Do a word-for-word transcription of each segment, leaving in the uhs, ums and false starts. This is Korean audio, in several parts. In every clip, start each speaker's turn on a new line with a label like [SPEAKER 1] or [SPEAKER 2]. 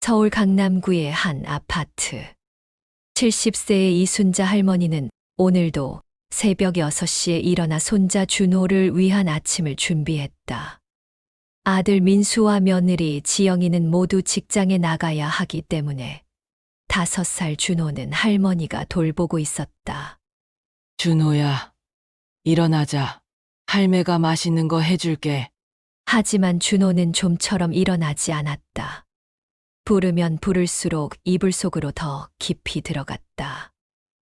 [SPEAKER 1] 서울 강남구의 한 아파트. 칠십 세의 이순자 할머니는 오늘도 새벽 여섯 시에 일어나 손자 준호를 위한 아침을 준비했다. 아들 민수와 며느리 지영이는 모두 직장에 나가야 하기 때문에 다섯 살 준호는 할머니가 돌보고 있었다.
[SPEAKER 2] 준호야, 일어나자. 할매가 맛있는 거 해줄게.
[SPEAKER 1] 하지만 준호는 좀처럼 일어나지 않았다. 부르면 부를수록 이불 속으로 더 깊이 들어갔다.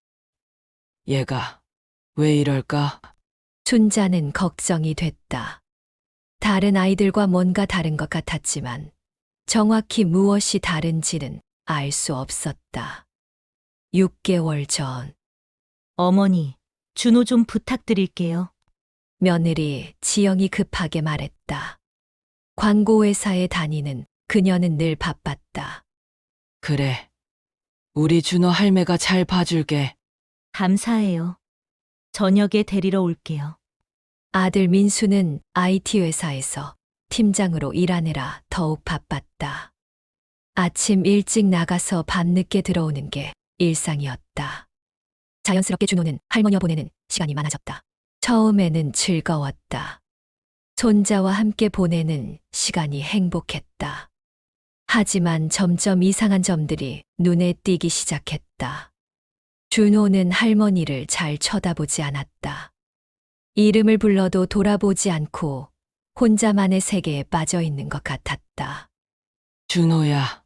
[SPEAKER 2] 얘가 왜 이럴까?
[SPEAKER 1] 순자는 걱정이 됐다. 다른 아이들과 뭔가 다른 것 같았지만 정확히 무엇이 다른지는 알 수 없었다. 육 개월 전
[SPEAKER 3] 어머니, 준호 좀 부탁드릴게요.
[SPEAKER 1] 며느리 지영이 급하게 말했다. 광고회사에 다니는 그녀는 늘 바빴다.
[SPEAKER 2] 그래. 우리 준호 할매가 잘 봐줄게.
[SPEAKER 3] 감사해요. 저녁에 데리러 올게요.
[SPEAKER 1] 아들 민수는 아이티 회사에서 팀장으로 일하느라 더욱 바빴다. 아침 일찍 나가서 밤늦게 들어오는 게 일상이었다. 자연스럽게 준호는 할머니와 보내는 시간이 많아졌다. 처음에는 즐거웠다. 손자와 함께 보내는 시간이 행복했다. 하지만 점점 이상한 점들이 눈에 띄기 시작했다. 준호는 할머니를 잘 쳐다보지 않았다. 이름을 불러도 돌아보지 않고 혼자만의 세계에 빠져 있는 것 같았다.
[SPEAKER 2] 준호야.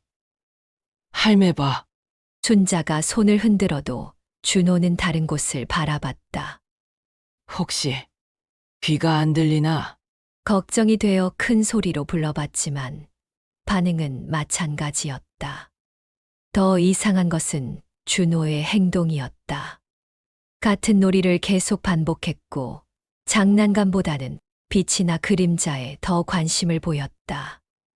[SPEAKER 2] 할매 봐.
[SPEAKER 1] 순자가 손을 흔들어도 준호는 다른 곳을 바라봤다.
[SPEAKER 2] 혹시 귀가 안 들리나?
[SPEAKER 1] 걱정이 되어 큰 소리로 불러봤지만 반응은 마찬가지였다. 더 이상한 것은 준호의 행동이었다. 같은 놀이를 계속 반복했고 장난감보다는 빛이나 그림자에 더 관심을 보였다.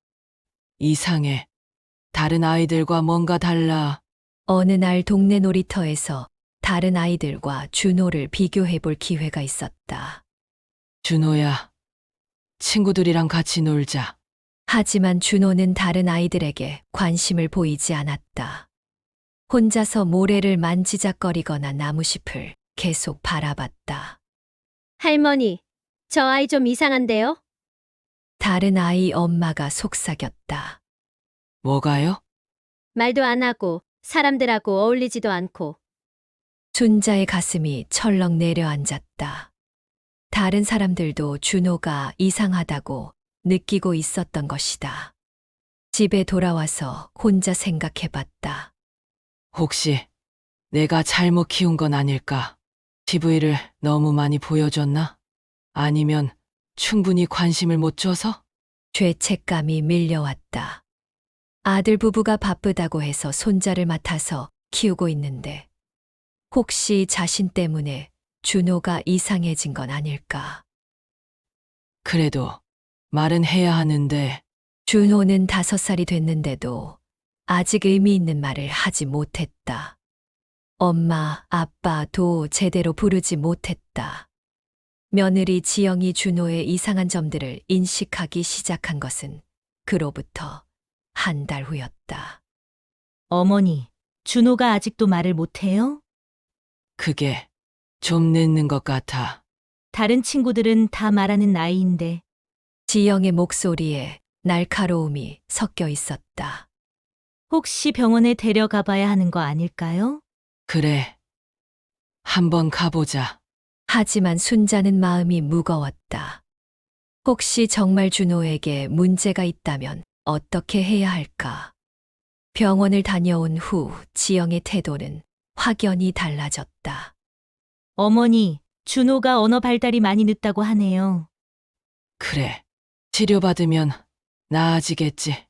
[SPEAKER 2] 이상해. 다른 아이들과 뭔가 달라.
[SPEAKER 1] 어느 날 동네 놀이터에서 다른 아이들과 준호를 비교해 볼 기회가 있었다.
[SPEAKER 2] 준호야. 친구들이랑 같이 놀자.
[SPEAKER 1] 하지만 준호는 다른 아이들에게 관심을 보이지 않았다. 혼자서 모래를 만지작거리거나 나무잎을 계속 바라봤다.
[SPEAKER 4] 할머니, 저 아이 좀 이상한데요?
[SPEAKER 1] 다른 아이 엄마가 속삭였다.
[SPEAKER 2] 뭐가요?
[SPEAKER 4] 말도 안 하고 사람들하고 어울리지도 않고.
[SPEAKER 1] 순자의 가슴이 철렁 내려앉았다. 다른 사람들도 준호가 이상하다고 느끼고 있었던 것이다. 집에 돌아와서 혼자 생각해봤다.
[SPEAKER 2] 혹시 내가 잘못 키운 건 아닐까? 티비를 너무 많이 보여줬나? 아니면 충분히 관심을 못 줘서?
[SPEAKER 1] 죄책감이 밀려왔다. 아들 부부가 바쁘다고 해서 손자를 맡아서 키우고 있는데 혹시 자신 때문에 준호가 이상해진 건 아닐까?
[SPEAKER 2] 그래도 말은 해야 하는데.
[SPEAKER 1] 준호는 다섯 살이 됐는데도 아직 의미 있는 말을 하지 못했다. 엄마, 아빠도 제대로 부르지 못했다. 며느리 지영이 준호의 이상한 점들을 인식하기 시작한 것은 그로부터 한 달 후였다.
[SPEAKER 3] 어머니, 준호가 아직도 말을 못해요?
[SPEAKER 2] 그게 좀 늦는 것 같아.
[SPEAKER 3] 다른 친구들은 다 말하는 나이인데.
[SPEAKER 1] 지영의 목소리에 날카로움이 섞여 있었다.
[SPEAKER 3] 혹시 병원에 데려가 봐야 하는 거 아닐까요?
[SPEAKER 2] 그래. 한번 가보자.
[SPEAKER 1] 하지만 순자는 마음이 무거웠다. 혹시 정말 준호에게 문제가 있다면 어떻게 해야 할까? 병원을 다녀온 후 지영의 태도는 확연히 달라졌다.
[SPEAKER 3] 어머니, 준호가 언어 발달이 많이 늦다고 하네요.
[SPEAKER 2] 그래. 치료받으면 나아지겠지.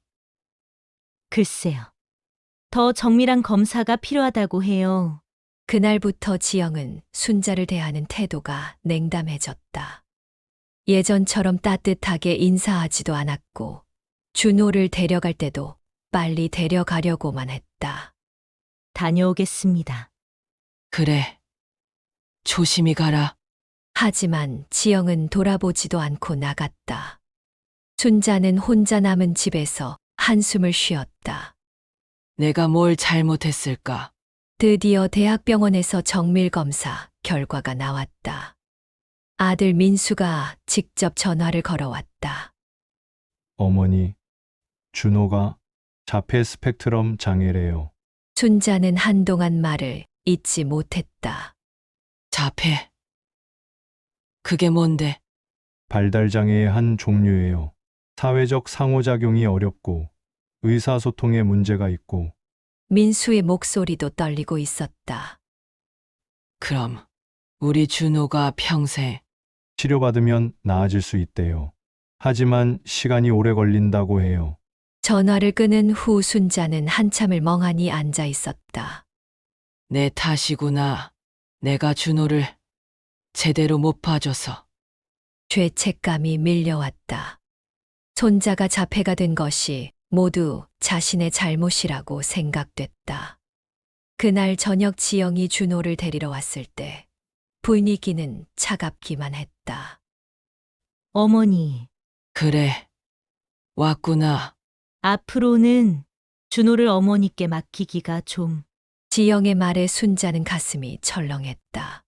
[SPEAKER 3] 글쎄요. 더 정밀한 검사가 필요하다고 해요.
[SPEAKER 1] 그날부터 지영은 순자를 대하는 태도가 냉담해졌다. 예전처럼 따뜻하게 인사하지도 않았고 준호를 데려갈 때도 빨리 데려가려고만 했다.
[SPEAKER 3] 다녀오겠습니다.
[SPEAKER 2] 그래. 조심히 가라.
[SPEAKER 1] 하지만 지영은 돌아보지도 않고 나갔다. 순자는 혼자 남은 집에서 한숨을 쉬었다.
[SPEAKER 2] 내가 뭘 잘못했을까?
[SPEAKER 1] 드디어 대학병원에서 정밀검사 결과가 나왔다. 아들 민수가 직접 전화를 걸어왔다.
[SPEAKER 5] 어머니, 준호가 자폐 스펙트럼 장애래요.
[SPEAKER 1] 순자는 한동안 말을 잇지 못했다.
[SPEAKER 2] 자폐. 그게 뭔데?
[SPEAKER 5] 발달 장애의 한 종류예요. 사회적 상호작용이 어렵고 의사소통에 문제가 있고
[SPEAKER 1] 민수의 목소리도 떨리고 있었다.
[SPEAKER 2] 그럼 우리 준호가 평생
[SPEAKER 5] 치료받으면 나아질 수 있대요. 하지만 시간이 오래 걸린다고 해요.
[SPEAKER 1] 전화를 끊은 후 순자는 한참을 멍하니 앉아 있었다.
[SPEAKER 2] 내 탓이구나. 내가 준호를 제대로 못 봐줘서.
[SPEAKER 1] 죄책감이 밀려왔다. 손자가 자폐가 된 것이 모두 자신의 잘못이라고 생각됐다. 그날 저녁 지영이 준호를 데리러 왔을 때 분위기는 차갑기만 했다.
[SPEAKER 3] 어머니,
[SPEAKER 2] 그래. 왔구나.
[SPEAKER 3] 앞으로는 준호를 어머니께 맡기기가 좀.
[SPEAKER 1] 지영의 말에 순자는 가슴이 철렁했다.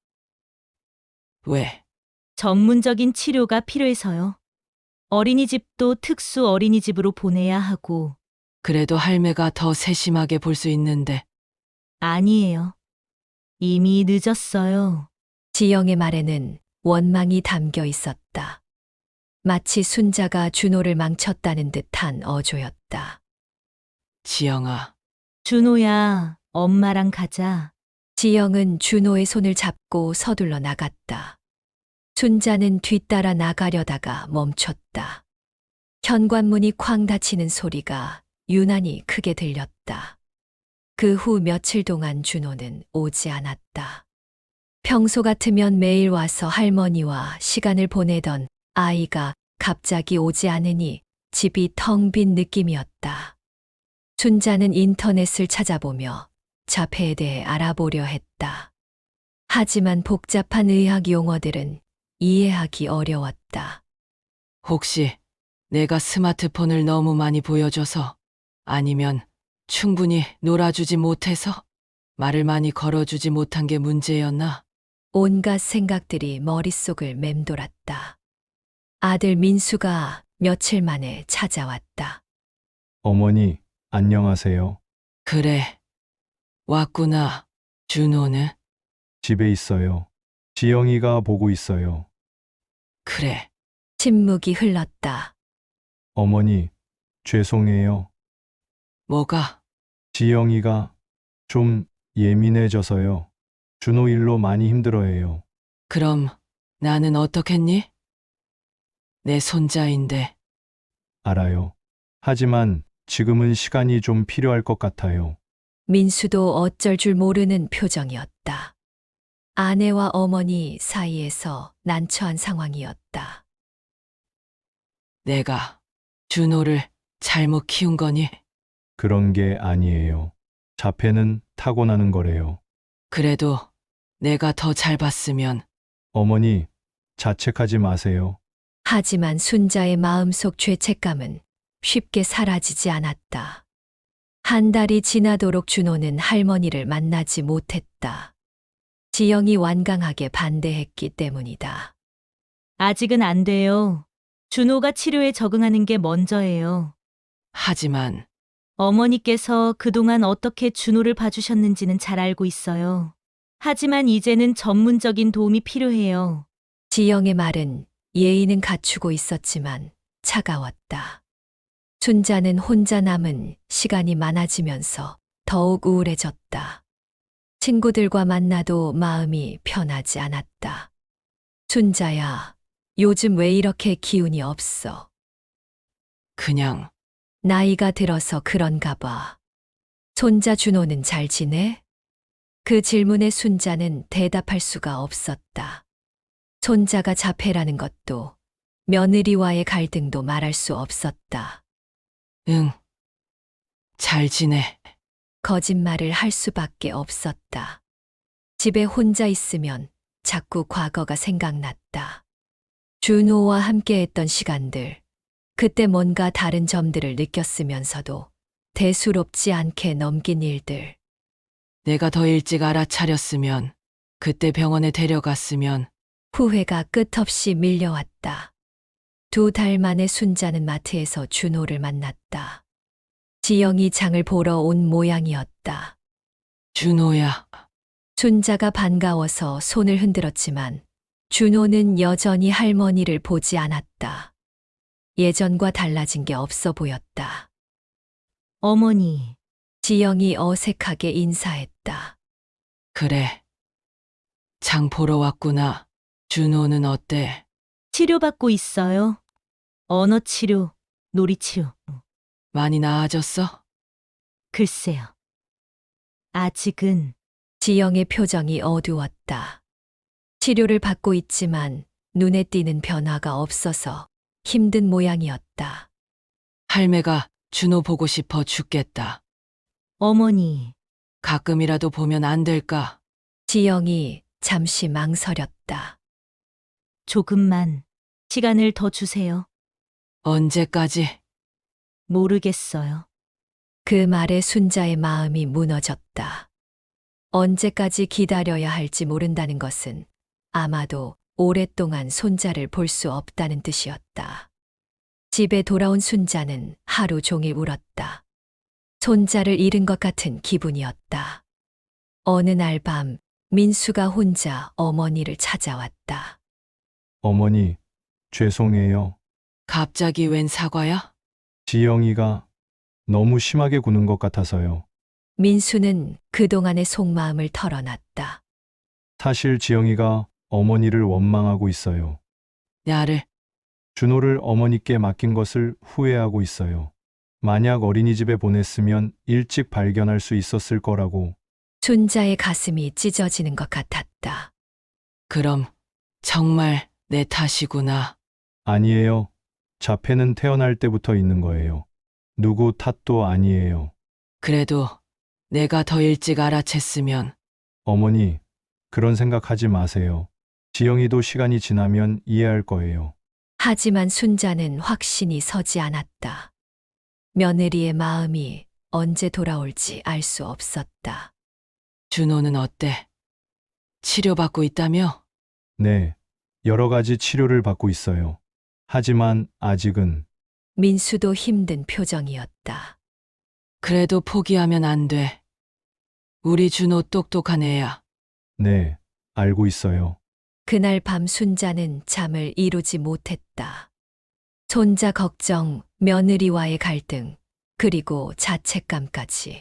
[SPEAKER 2] 왜?
[SPEAKER 3] 전문적인 치료가 필요해서요. 어린이집도 특수 어린이집으로 보내야 하고.
[SPEAKER 2] 그래도 할매가 더 세심하게 볼 수 있는데.
[SPEAKER 3] 아니에요. 이미 늦었어요.
[SPEAKER 1] 지영의 말에는 원망이 담겨 있었다. 마치 순자가 준호를 망쳤다는 듯한 어조였다.
[SPEAKER 2] 지영아,
[SPEAKER 3] 준호야, 엄마랑 가자.
[SPEAKER 1] 지영은 준호의 손을 잡고 서둘러 나갔다. 순자는 뒤따라 나가려다가 멈췄다. 현관문이 쾅 닫히는 소리가 유난히 크게 들렸다. 그 후 며칠 동안 준호는 오지 않았다. 평소 같으면 매일 와서 할머니와 시간을 보내던 아이가 갑자기 오지 않으니 집이 텅 빈 느낌이었다. 순자는 인터넷을 찾아보며 자폐에 대해 알아보려 했다. 하지만 복잡한 의학 용어들은 이해하기 어려웠다.
[SPEAKER 2] 혹시 내가 스마트폰을 너무 많이 보여줘서 아니면 충분히 놀아주지 못해서 말을 많이 걸어주지 못한 게 문제였나?
[SPEAKER 1] 온갖 생각들이 머릿속을 맴돌았다. 아들 민수가 며칠 만에 찾아왔다.
[SPEAKER 5] 어머니, 안녕하세요.
[SPEAKER 2] 그래. 왔구나. 준호는?
[SPEAKER 5] 집에 있어요. 지영이가 보고 있어요.
[SPEAKER 2] 그래.
[SPEAKER 1] 침묵이 흘렀다.
[SPEAKER 5] 어머니, 죄송해요.
[SPEAKER 2] 뭐가?
[SPEAKER 5] 지영이가 좀 예민해져서요. 준호 일로 많이 힘들어해요.
[SPEAKER 2] 그럼 나는 어떻겠니? 내 손자인데.
[SPEAKER 5] 알아요. 하지만 지금은 시간이 좀 필요할 것 같아요.
[SPEAKER 1] 민수도 어쩔 줄 모르는 표정이었다. 아내와 어머니 사이에서 난처한 상황이었다.
[SPEAKER 2] 내가 준호를 잘못 키운 거니?
[SPEAKER 5] 그런 게 아니에요. 자폐는 타고나는 거래요.
[SPEAKER 2] 그래도 내가 더 잘 봤으면.
[SPEAKER 5] 어머니, 자책하지 마세요.
[SPEAKER 1] 하지만 순자의 마음속 죄책감은 쉽게 사라지지 않았다. 한 달이 지나도록 준호는 할머니를 만나지 못했다. 지영이 완강하게 반대했기 때문이다.
[SPEAKER 3] 아직은 안 돼요. 준호가 치료에 적응하는 게 먼저예요.
[SPEAKER 2] 하지만
[SPEAKER 3] 어머니께서 그동안 어떻게 준호를 봐주셨는지는 잘 알고 있어요. 하지만 이제는 전문적인 도움이 필요해요.
[SPEAKER 1] 지영의 말은 예의는 갖추고 있었지만 차가웠다. 순자는 혼자 남은 시간이 많아지면서 더욱 우울해졌다. 친구들과 만나도 마음이 편하지 않았다. 순자야, 요즘 왜 이렇게 기운이 없어?
[SPEAKER 2] 그냥
[SPEAKER 1] 나이가 들어서 그런가 봐. 손자 준호는 잘 지내? 그 질문에 순자는 대답할 수가 없었다. 손자가 자폐라는 것도 며느리와의 갈등도 말할 수 없었다.
[SPEAKER 2] 응. 잘 지내.
[SPEAKER 1] 거짓말을 할 수밖에 없었다. 집에 혼자 있으면 자꾸 과거가 생각났다. 준호와 함께했던 시간들, 그때 뭔가 다른 점들을 느꼈으면서도 대수롭지 않게 넘긴 일들.
[SPEAKER 2] 내가 더 일찍 알아차렸으면, 그때 병원에 데려갔으면,
[SPEAKER 1] 후회가 끝없이 밀려왔다. 두 달 만에 순자는 마트에서 준호를 만났다. 지영이 장을 보러 온 모양이었다.
[SPEAKER 2] 준호야.
[SPEAKER 1] 순자가 반가워서 손을 흔들었지만 준호는 여전히 할머니를 보지 않았다. 예전과 달라진 게 없어 보였다.
[SPEAKER 3] 어머니,
[SPEAKER 1] 지영이 어색하게 인사했다.
[SPEAKER 2] 그래. 장 보러 왔구나. 준호는 어때?
[SPEAKER 3] 치료받고 있어요. 언어 치료, 놀이 치료.
[SPEAKER 2] 많이 나아졌어?
[SPEAKER 3] 글쎄요. 아직은
[SPEAKER 1] 지영의 표정이 어두웠다. 치료를 받고 있지만 눈에 띄는 변화가 없어서 힘든 모양이었다.
[SPEAKER 2] 할매가 준호 보고 싶어 죽겠다.
[SPEAKER 3] 어머니,
[SPEAKER 2] 가끔이라도 보면 안 될까?
[SPEAKER 1] 지영이 잠시 망설였다.
[SPEAKER 3] 조금만 시간을 더 주세요.
[SPEAKER 2] 언제까지?
[SPEAKER 3] 모르겠어요.
[SPEAKER 1] 그 말에 순자의 마음이 무너졌다. 언제까지 기다려야 할지 모른다는 것은 아마도 오랫동안 손자를 볼 수 없다는 뜻이었다. 집에 돌아온 순자는 하루 종일 울었다. 손자를 잃은 것 같은 기분이었다. 어느 날 밤 민수가 혼자 어머니를 찾아왔다.
[SPEAKER 5] 어머니, 죄송해요.
[SPEAKER 2] 갑자기 웬 사과야?
[SPEAKER 5] 지영이가 너무 심하게 구는 것 같아서요.
[SPEAKER 1] 민수는 그동안의 속마음을 털어놨다.
[SPEAKER 5] 사실 지영이가 어머니를 원망하고 있어요.
[SPEAKER 2] 나를
[SPEAKER 5] 준호를 어머니께 맡긴 것을 후회하고 있어요. 만약 어린이집에 보냈으면 일찍 발견할 수 있었을 거라고.
[SPEAKER 1] 순자의 가슴이 찢어지는 것 같았다.
[SPEAKER 2] 그럼 정말 내 탓이구나.
[SPEAKER 5] 아니에요. 자폐는 태어날 때부터 있는 거예요. 누구 탓도 아니에요.
[SPEAKER 2] 그래도 내가 더 일찍 알아챘으면
[SPEAKER 5] 어머니, 그런 생각하지 마세요. 지영이도 시간이 지나면 이해할 거예요.
[SPEAKER 1] 하지만 순자는 확신이 서지 않았다. 며느리의 마음이 언제 돌아올지 알 수 없었다.
[SPEAKER 2] 준호는 어때? 치료받고 있다며?
[SPEAKER 5] 네, 여러 가지 치료를 받고 있어요. 하지만 아직은
[SPEAKER 1] 민수도 힘든 표정이었다.
[SPEAKER 2] 그래도 포기하면 안 돼. 우리 준호 똑똑한 애야.
[SPEAKER 5] 네, 알고 있어요.
[SPEAKER 1] 그날 밤 순자는 잠을 이루지 못했다. 손자 걱정, 며느리와의 갈등, 그리고 자책감까지.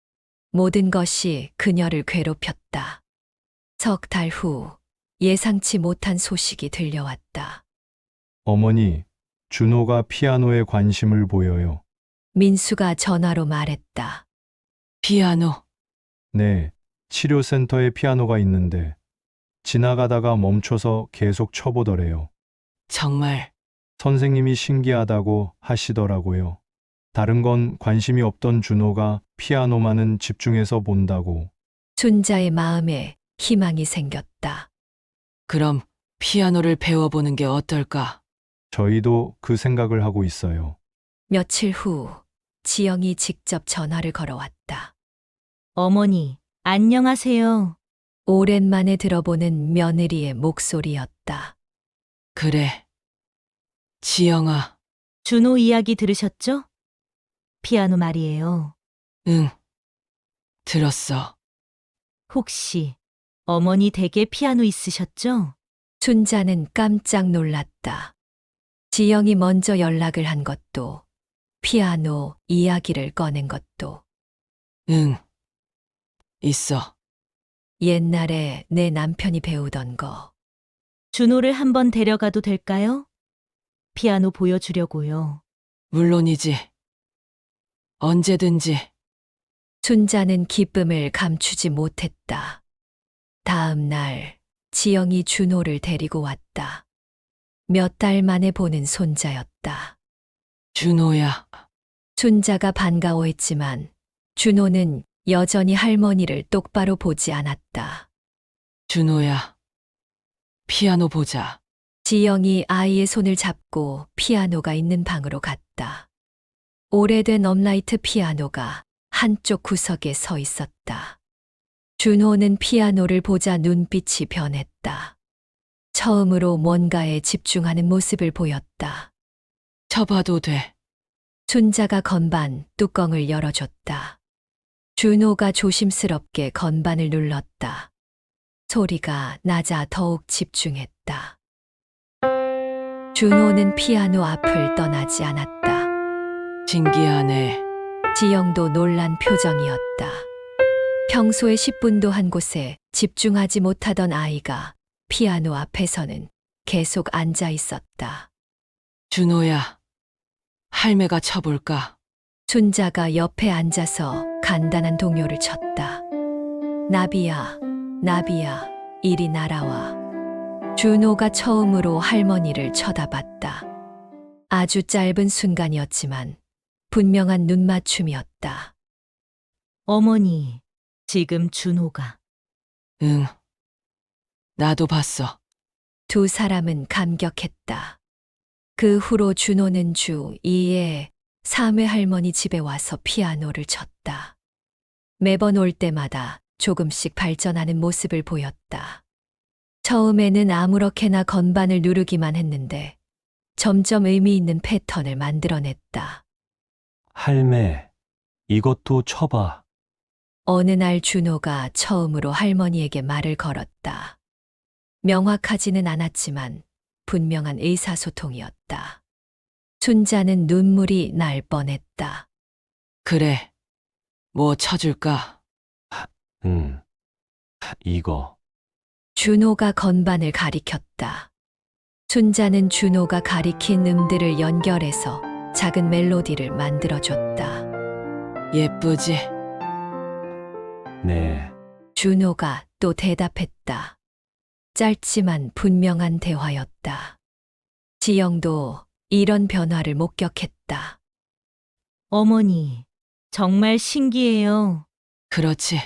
[SPEAKER 1] 모든 것이 그녀를 괴롭혔다. 석 달 후 예상치 못한 소식이 들려왔다.
[SPEAKER 5] 어머니, 준호가 피아노에 관심을 보여요.
[SPEAKER 1] 민수가 전화로 말했다.
[SPEAKER 2] 피아노.
[SPEAKER 5] 네, 치료센터에 피아노가 있는데 지나가다가 멈춰서 계속 쳐보더래요.
[SPEAKER 2] 정말
[SPEAKER 5] 선생님이 신기하다고 하시더라고요. 다른 건 관심이 없던 준호가 피아노만은 집중해서 본다고.
[SPEAKER 1] 순자의 마음에 희망이 생겼다.
[SPEAKER 2] 그럼 피아노를 배워보는 게 어떨까?
[SPEAKER 5] 저희도 그 생각을 하고 있어요.
[SPEAKER 1] 며칠 후 지영이 직접 전화를 걸어왔다.
[SPEAKER 3] 어머니, 안녕하세요.
[SPEAKER 1] 오랜만에 들어보는 며느리의 목소리였다.
[SPEAKER 2] 그래. 지영아.
[SPEAKER 3] 준호 이야기 들으셨죠? 피아노 말이에요.
[SPEAKER 2] 응. 들었어.
[SPEAKER 3] 혹시 어머니 댁에 피아노 있으셨죠?
[SPEAKER 1] 순자는 깜짝 놀랐다. 지영이 먼저 연락을 한 것도, 피아노 이야기를 꺼낸 것도,
[SPEAKER 2] 응. 있어.
[SPEAKER 1] 옛날에 내 남편이 배우던 거.
[SPEAKER 3] 준호를 한번 데려가도 될까요? 피아노 보여주려고요.
[SPEAKER 2] 물론이지. 언제든지.
[SPEAKER 1] 순자는 기쁨을 감추지 못했다. 다음 날 지영이 준호를 데리고 왔다. 몇 달 만에 보는 손자였다.
[SPEAKER 2] 준호야.
[SPEAKER 1] 순자가 반가워했지만 준호는 여전히 할머니를 똑바로 보지 않았다.
[SPEAKER 2] 준호야. 피아노 보자.
[SPEAKER 1] 지영이 아이의 손을 잡고 피아노가 있는 방으로 갔다. 오래된 업라이트 피아노가 한쪽 구석에 서 있었다. 준호는 피아노를 보자 눈빛이 변했다. 처음으로 뭔가에 집중하는 모습을 보였다.
[SPEAKER 2] 쳐봐도 돼.
[SPEAKER 1] 순자가 건반 뚜껑을 열어줬다. 준호가 조심스럽게 건반을 눌렀다. 소리가 낮아 더욱 집중했다. 준호는 피아노 앞을 떠나지 않았다.
[SPEAKER 2] 신기하네.
[SPEAKER 1] 지영도 놀란 표정이었다. 평소에 십 분도 한 곳에 집중하지 못하던 아이가 피아노 앞에서는 계속 앉아 있었다.
[SPEAKER 2] 준호야, 할매가 쳐볼까?
[SPEAKER 1] 순자가 옆에 앉아서 간단한 동요를 쳤다. 나비야, 나비야, 이리 날아와. 준호가 처음으로 할머니를 쳐다봤다. 아주 짧은 순간이었지만 분명한 눈맞춤이었다.
[SPEAKER 3] 어머니, 지금 준호가.
[SPEAKER 2] 응. 나도 봤어.
[SPEAKER 1] 두 사람은 감격했다. 그 후로 준호는 주 이 회 삼 회 할머니 집에 와서 피아노를 쳤다. 매번 올 때마다 조금씩 발전하는 모습을 보였다. 처음에는 아무렇게나 건반을 누르기만 했는데 점점 의미 있는 패턴을 만들어냈다.
[SPEAKER 6] 할매, 이것도 쳐봐.
[SPEAKER 1] 어느 날 준호가 처음으로 할머니에게 말을 걸었다. 명확하지는 않았지만 분명한 의사소통이었다. 순자는 눈물이 날 뻔했다.
[SPEAKER 2] 그래. 뭐 쳐줄까?
[SPEAKER 6] 응. 이거.
[SPEAKER 1] 준호가 건반을 가리켰다. 순자는 준호가 가리킨 음들을 연결해서 작은 멜로디를 만들어줬다.
[SPEAKER 2] 예쁘지?
[SPEAKER 6] 네.
[SPEAKER 1] 준호가 또 대답했다. 짧지만 분명한 대화였다. 지영도 이런 변화를 목격했다.
[SPEAKER 3] 어머니, 정말 신기해요.
[SPEAKER 2] 그렇지.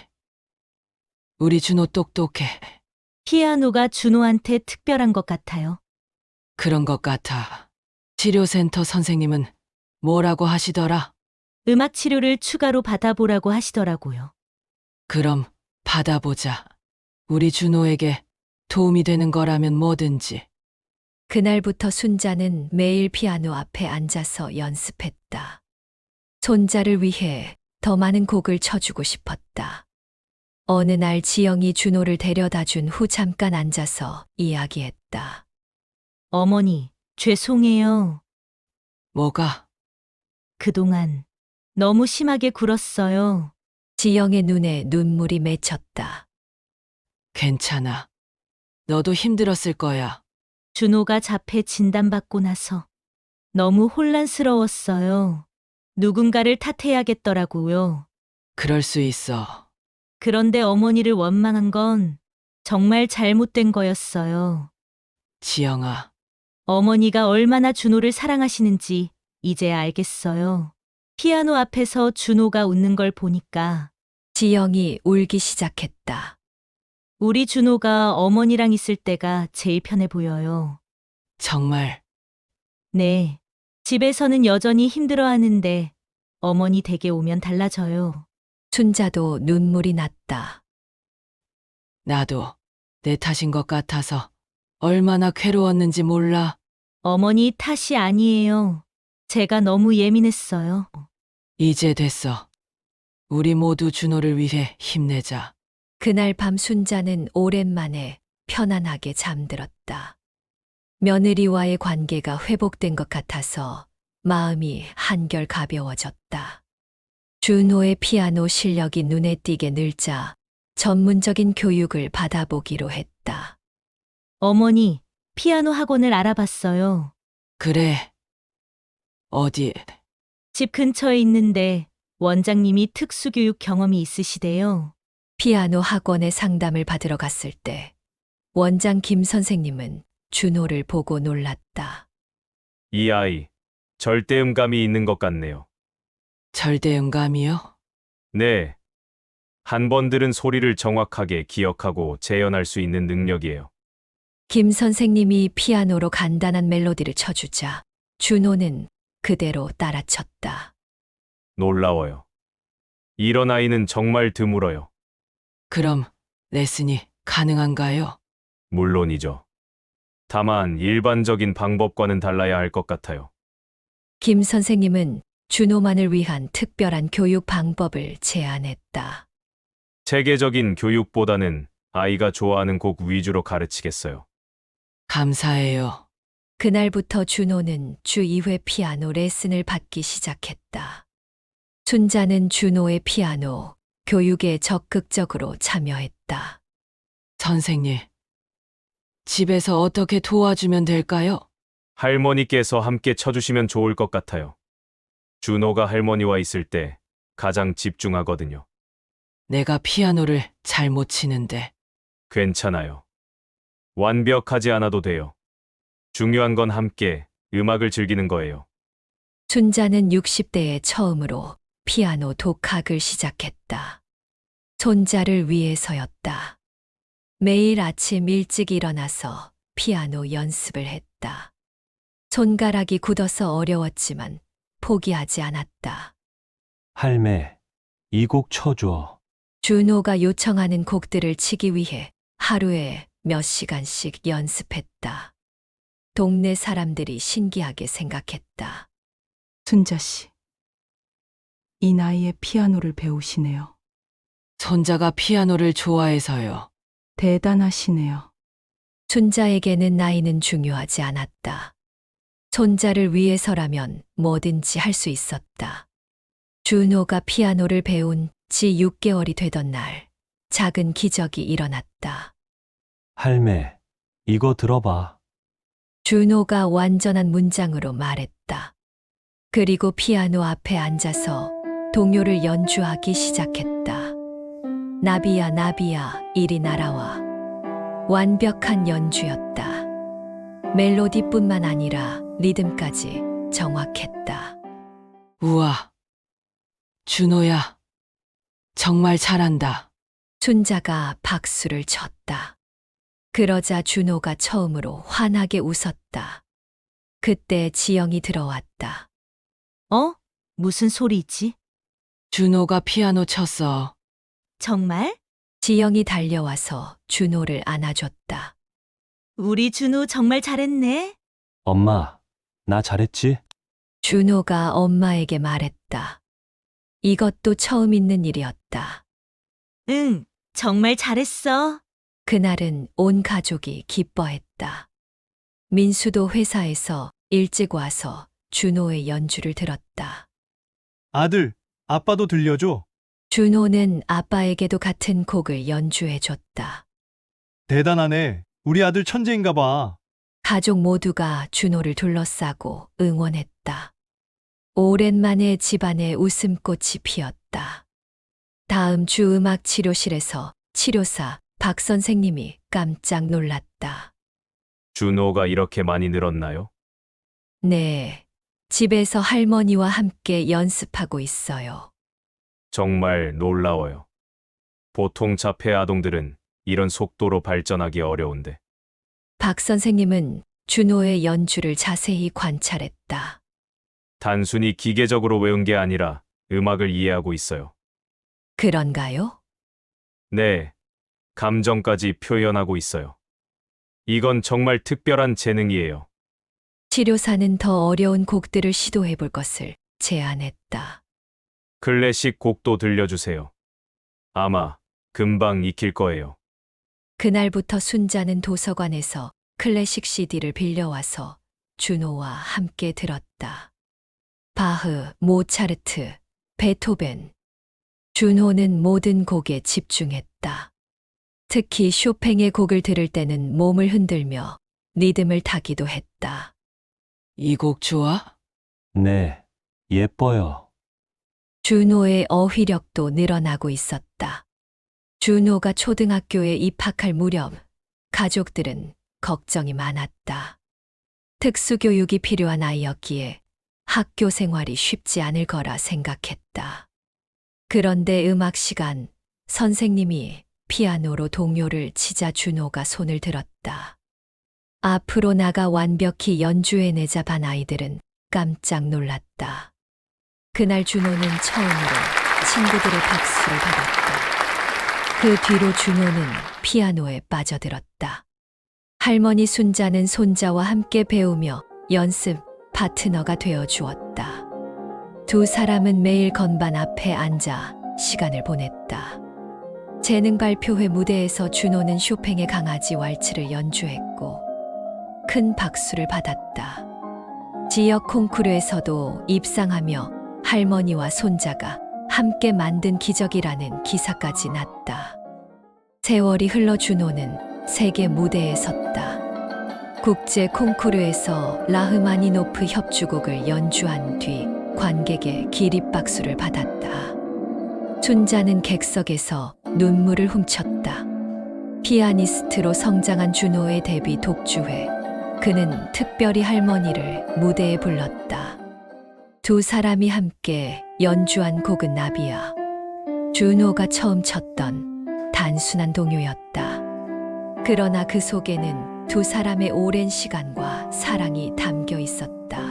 [SPEAKER 2] 우리 준호 똑똑해.
[SPEAKER 3] 피아노가 준호한테 특별한 것 같아요.
[SPEAKER 2] 그런 것 같아. 치료센터 선생님은 뭐라고 하시더라?
[SPEAKER 3] 음악 치료를 추가로 받아보라고 하시더라고요.
[SPEAKER 2] 그럼 받아보자. 우리 준호에게 도움이 되는 거라면 뭐든지.
[SPEAKER 1] 그날부터 순자는 매일 피아노 앞에 앉아서 연습했다. 손자를 위해 더 많은 곡을 쳐주고 싶었다. 어느 날 지영이 준호를 데려다 준 후 잠깐 앉아서 이야기했다.
[SPEAKER 3] 어머니, 죄송해요.
[SPEAKER 2] 뭐가?
[SPEAKER 3] 그동안 너무 심하게 굴었어요.
[SPEAKER 1] 지영의 눈에 눈물이 맺혔다.
[SPEAKER 2] 괜찮아. 너도 힘들었을 거야.
[SPEAKER 3] 준호가 자폐 진단받고 나서 너무 혼란스러웠어요. 누군가를 탓해야겠더라고요.
[SPEAKER 2] 그럴 수 있어.
[SPEAKER 3] 그런데 어머니를 원망한 건 정말 잘못된 거였어요.
[SPEAKER 2] 지영아,
[SPEAKER 3] 어머니가 얼마나 준호를 사랑하시는지 이제야 알겠어요. 피아노 앞에서 준호가 웃는 걸 보니까
[SPEAKER 1] 지영이 울기 시작했다.
[SPEAKER 3] 우리 준호가 어머니랑 있을 때가 제일 편해 보여요.
[SPEAKER 2] 정말
[SPEAKER 3] 네. 집에서는 여전히 힘들어하는데 어머니 댁에 오면 달라져요.
[SPEAKER 1] 순자도 눈물이 났다.
[SPEAKER 2] 나도 내 탓인 것 같아서 얼마나 괴로웠는지 몰라.
[SPEAKER 3] 어머니 탓이 아니에요. 제가 너무 예민했어요.
[SPEAKER 2] 이제 됐어. 우리 모두 준호를 위해 힘내자.
[SPEAKER 1] 그날 밤 순자는 오랜만에 편안하게 잠들었다. 며느리와의 관계가 회복된 것 같아서 마음이 한결 가벼워졌다. 준호의 피아노 실력이 눈에 띄게 늘자 전문적인 교육을 받아보기로 했다.
[SPEAKER 3] 어머니, 피아노 학원을 알아봤어요.
[SPEAKER 2] 그래. 어디?
[SPEAKER 3] 집 근처에 있는데 원장님이 특수교육 경험이 있으시대요.
[SPEAKER 1] 피아노 학원에 상담을 받으러 갔을 때 원장 김 선생님은 준호를 보고 놀랐다.
[SPEAKER 7] 이 아이, 절대음감이 있는 것 같네요.
[SPEAKER 2] 절대음감이요?
[SPEAKER 7] 네. 한 번 들은 소리를 정확하게 기억하고 재현할 수 있는 능력이에요.
[SPEAKER 1] 김 선생님이 피아노로 간단한 멜로디를 쳐주자 준호는 그대로 따라쳤다.
[SPEAKER 7] 놀라워요. 이런 아이는 정말 드물어요.
[SPEAKER 2] 그럼 레슨이 가능한가요?
[SPEAKER 7] 물론이죠. 다만 일반적인 방법과는 달라야 할 것 같아요.
[SPEAKER 1] 김 선생님은 준호만을 위한 특별한 교육 방법을 제안했다.
[SPEAKER 7] 체계적인 교육보다는 아이가 좋아하는 곡 위주로 가르치겠어요.
[SPEAKER 2] 감사해요.
[SPEAKER 1] 그날부터 준호는 주 이 회 피아노 레슨을 받기 시작했다. 순자는 준호의 피아노 교육에 적극적으로 참여했다.
[SPEAKER 2] 선생님, 집에서 어떻게 도와주면 될까요?
[SPEAKER 7] 할머니께서 함께 쳐주시면 좋을 것 같아요. 준호가 할머니와 있을 때 가장 집중하거든요.
[SPEAKER 2] 내가 피아노를 잘 못 치는데.
[SPEAKER 7] 괜찮아요. 완벽하지 않아도 돼요. 중요한 건 함께 음악을 즐기는 거예요.
[SPEAKER 1] 순자는 육십 대에 처음으로 피아노 독학을 시작했다. 손자를 위해서였다. 매일 아침 일찍 일어나서 피아노 연습을 했다. 손가락이 굳어서 어려웠지만 포기하지 않았다.
[SPEAKER 6] 할매, 이 곡 쳐줘.
[SPEAKER 1] 준호가 요청하는 곡들을 치기 위해 하루에 몇 시간씩 연습했다. 동네 사람들이 신기하게 생각했다.
[SPEAKER 8] 순자 씨, 이 나이에 피아노를 배우시네요.
[SPEAKER 2] 손자가 피아노를 좋아해서요.
[SPEAKER 8] 대단하시네요.
[SPEAKER 1] 순자에게는 나이는 중요하지 않았다. 손자를 위해서라면 뭐든지 할 수 있었다. 준호가 피아노를 배운 지 육 개월이 되던 날, 작은 기적이 일어났다.
[SPEAKER 6] 할매, 이거 들어봐.
[SPEAKER 1] 준호가 완전한 문장으로 말했다. 그리고 피아노 앞에 앉아서 동요를 연주하기 시작했다. 나비야 나비야 이리 날아와. 완벽한 연주였다. 멜로디뿐만 아니라 리듬까지 정확했다.
[SPEAKER 2] 우와. 준호야. 정말 잘한다.
[SPEAKER 1] 순자가 박수를 쳤다. 그러자 준호가 처음으로 환하게 웃었다. 그때 지영이 들어왔다.
[SPEAKER 3] 어? 무슨 소리지?
[SPEAKER 2] 준호가 피아노 쳤어.
[SPEAKER 3] 정말?
[SPEAKER 1] 지영이 달려와서 준호를 안아줬다.
[SPEAKER 3] 우리 준호 정말 잘했네.
[SPEAKER 6] 엄마, 나 잘했지?
[SPEAKER 1] 준호가 엄마에게 말했다. 이것도 처음 있는 일이었다.
[SPEAKER 3] 응, 정말 잘했어.
[SPEAKER 1] 그날은 온 가족이 기뻐했다. 민수도 회사에서 일찍 와서 준호의 연주를 들었다.
[SPEAKER 5] 아들, 아빠도 들려줘.
[SPEAKER 1] 준호는 아빠에게도 같은 곡을 연주해줬다.
[SPEAKER 5] 대단하네. 우리 아들 천재인가 봐.
[SPEAKER 1] 가족 모두가 준호를 둘러싸고 응원했다. 오랜만에 집안에 웃음꽃이 피었다. 다음 주 음악 치료실에서 치료사 박 선생님이 깜짝 놀랐다.
[SPEAKER 7] 준호가 이렇게 많이 늘었나요?
[SPEAKER 1] 네, 집에서 할머니와 함께 연습하고 있어요.
[SPEAKER 7] 정말 놀라워요. 보통 자폐 아동들은 이런 속도로 발전하기 어려운데.
[SPEAKER 1] 박 선생님은 준호의 연주를 자세히 관찰했다.
[SPEAKER 7] 단순히 기계적으로 외운 게 아니라 음악을 이해하고 있어요.
[SPEAKER 1] 그런가요?
[SPEAKER 7] 네, 감정까지 표현하고 있어요. 이건 정말 특별한 재능이에요.
[SPEAKER 1] 치료사는 더 어려운 곡들을 시도해 볼 것을 제안했다.
[SPEAKER 7] 클래식 곡도 들려주세요. 아마 금방 익힐 거예요.
[SPEAKER 1] 그날부터 순자는 도서관에서 클래식 씨디를 빌려와서 준호와 함께 들었다. 바흐, 모차르트, 베토벤. 준호는 모든 곡에 집중했다. 특히 쇼팽의 곡을 들을 때는 몸을 흔들며 리듬을 타기도 했다.
[SPEAKER 2] 이 곡 좋아?
[SPEAKER 6] 네, 예뻐요.
[SPEAKER 1] 준호의 어휘력도 늘어나고 있었다. 준호가 초등학교에 입학할 무렵 가족들은 걱정이 많았다. 특수교육이 필요한 아이였기에 학교 생활이 쉽지 않을 거라 생각했다. 그런데 음악 시간, 선생님이 피아노로 동요를 치자 준호가 손을 들었다. 앞으로 나가 완벽히 연주해내자 반 아이들은 깜짝 놀랐다. 그날 준호는 처음으로 친구들의 박수를 받았다. 그 뒤로 준호는 피아노에 빠져들었다. 할머니 순자는 손자와 함께 배우며 연습 파트너가 되어 주었다. 두 사람은 매일 건반 앞에 앉아 시간을 보냈다. 재능 발표회 무대에서 준호는 쇼팽의 강아지 왈츠를 연주했고 큰 박수를 받았다. 지역 콩쿠르에서도 입상하며 할머니와 손자가 함께 만든 기적이라는 기사까지 났다. 세월이 흘러 준호는 세계 무대에 섰다. 국제 콩쿠르에서 라흐마니노프 협주곡을 연주한 뒤 관객의 기립박수를 받았다. 순자는 객석에서 눈물을 훔쳤다. 피아니스트로 성장한 준호의 데뷔 독주회. 그는 특별히 할머니를 무대에 불렀다. 두 사람이 함께 연주한 곡은 나비야. 준호가 처음 쳤던 단순한 동요였다. 그러나 그 속에는 두 사람의 오랜 시간과 사랑이 담겨 있었다.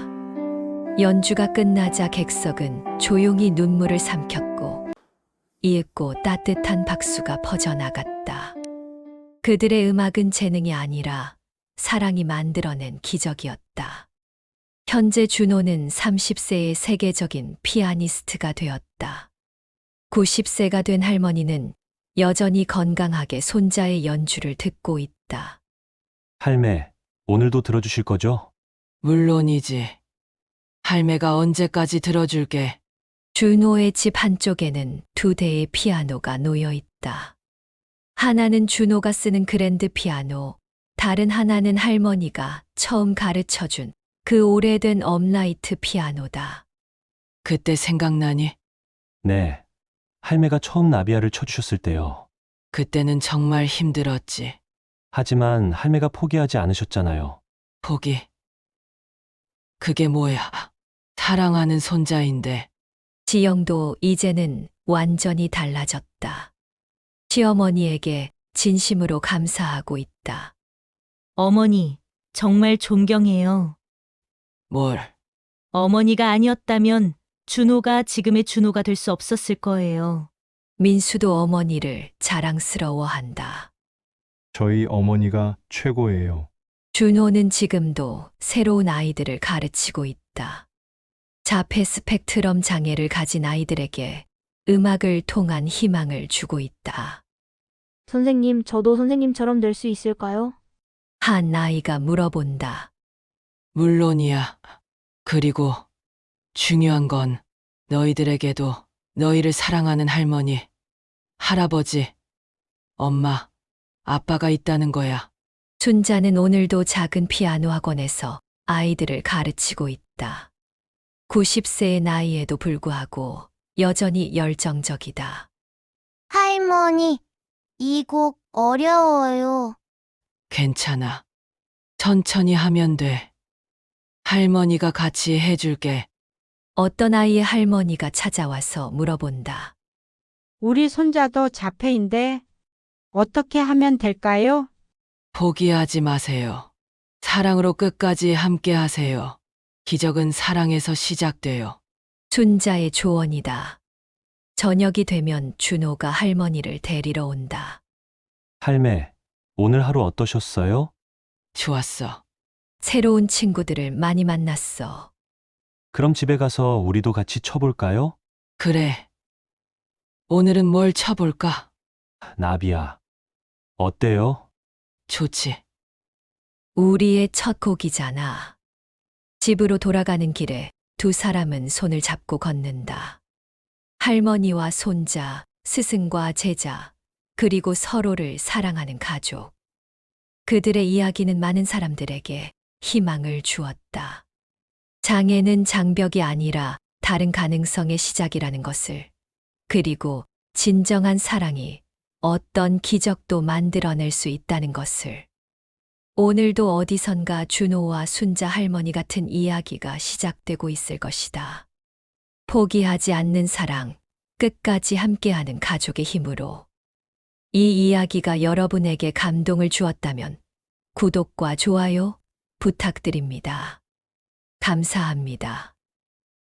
[SPEAKER 1] 연주가 끝나자 객석은 조용히 눈물을 삼켰고 이윽고 따뜻한 박수가 퍼져나갔다. 그들의 음악은 재능이 아니라 사랑이 만들어낸 기적이었다. 현재 준호는 삼십 세의 세계적인 피아니스트가 되었다. 구십 세가 된 할머니는 여전히 건강하게 손자의 연주를 듣고 있다.
[SPEAKER 6] 할매, 오늘도 들어주실 거죠?
[SPEAKER 2] 물론이지. 할매가 언제까지 들어줄게.
[SPEAKER 1] 준호의 집 한쪽에는 두 대의 피아노가 놓여 있다. 하나는 준호가 쓰는 그랜드 피아노, 다른 하나는 할머니가 처음 가르쳐준 그 오래된 업라이트 피아노다.
[SPEAKER 2] 그때 생각나니?
[SPEAKER 6] 네. 할매가 처음 나비야를 쳐주셨을 때요.
[SPEAKER 2] 그때는 정말 힘들었지.
[SPEAKER 6] 하지만 할매가 포기하지 않으셨잖아요.
[SPEAKER 2] 포기. 그게 뭐야? 사랑하는 손자인데.
[SPEAKER 1] 지영도 이제는 완전히 달라졌다. 시어머니에게 진심으로 감사하고 있다.
[SPEAKER 3] 어머니, 정말 존경해요.
[SPEAKER 2] 뭘?
[SPEAKER 3] 어머니가 아니었다면 준호가 지금의 준호가 될 수 없었을 거예요.
[SPEAKER 1] 민수도 어머니를 자랑스러워한다.
[SPEAKER 5] 저희 어머니가 최고예요.
[SPEAKER 1] 준호는 지금도 새로운 아이들을 가르치고 있다. 자폐 스펙트럼 장애를 가진 아이들에게 음악을 통한 희망을 주고 있다.
[SPEAKER 9] 선생님, 저도 선생님처럼 될 수 있을까요?
[SPEAKER 1] 한 아이가 물어본다.
[SPEAKER 2] 물론이야. 그리고 중요한 건 너희들에게도 너희를 사랑하는 할머니, 할아버지, 엄마, 아빠가 있다는 거야.
[SPEAKER 1] 순자는 오늘도 작은 피아노 학원에서 아이들을 가르치고 있다. 구십 세의 나이에도 불구하고 여전히 열정적이다.
[SPEAKER 10] 할머니, 이 곡 어려워요.
[SPEAKER 2] 괜찮아. 천천히 하면 돼. 할머니가 같이 해줄게.
[SPEAKER 1] 어떤 아이의 할머니가 찾아와서 물어본다.
[SPEAKER 11] 우리 손자도 자폐인데 어떻게 하면 될까요?
[SPEAKER 2] 포기하지 마세요. 사랑으로 끝까지 함께 하세요. 기적은 사랑에서 시작돼요.
[SPEAKER 1] 순자의 조언이다. 저녁이 되면 준호가 할머니를 데리러 온다.
[SPEAKER 6] 할매, 오늘 하루 어떠셨어요?
[SPEAKER 2] 좋았어.
[SPEAKER 1] 새로운 친구들을 많이 만났어.
[SPEAKER 6] 그럼 집에 가서 우리도 같이 쳐볼까요?
[SPEAKER 2] 그래. 오늘은 뭘 쳐볼까?
[SPEAKER 6] 나비야. 어때요?
[SPEAKER 2] 좋지.
[SPEAKER 1] 우리의 첫 곡이잖아. 집으로 돌아가는 길에 두 사람은 손을 잡고 걷는다. 할머니와 손자, 스승과 제자, 그리고 서로를 사랑하는 가족. 그들의 이야기는 많은 사람들에게 희망을 주었다. 장애는 장벽이 아니라 다른 가능성의 시작이라는 것을, 그리고 진정한 사랑이 어떤 기적도 만들어낼 수 있다는 것을. 오늘도 어디선가 준호와 순자 할머니 같은 이야기가 시작되고 있을 것이다. 포기하지 않는 사랑, 끝까지 함께하는 가족의 힘으로. 이 이야기가 여러분에게 감동을 주었다면 구독과 좋아요 부탁드립니다. 감사합니다.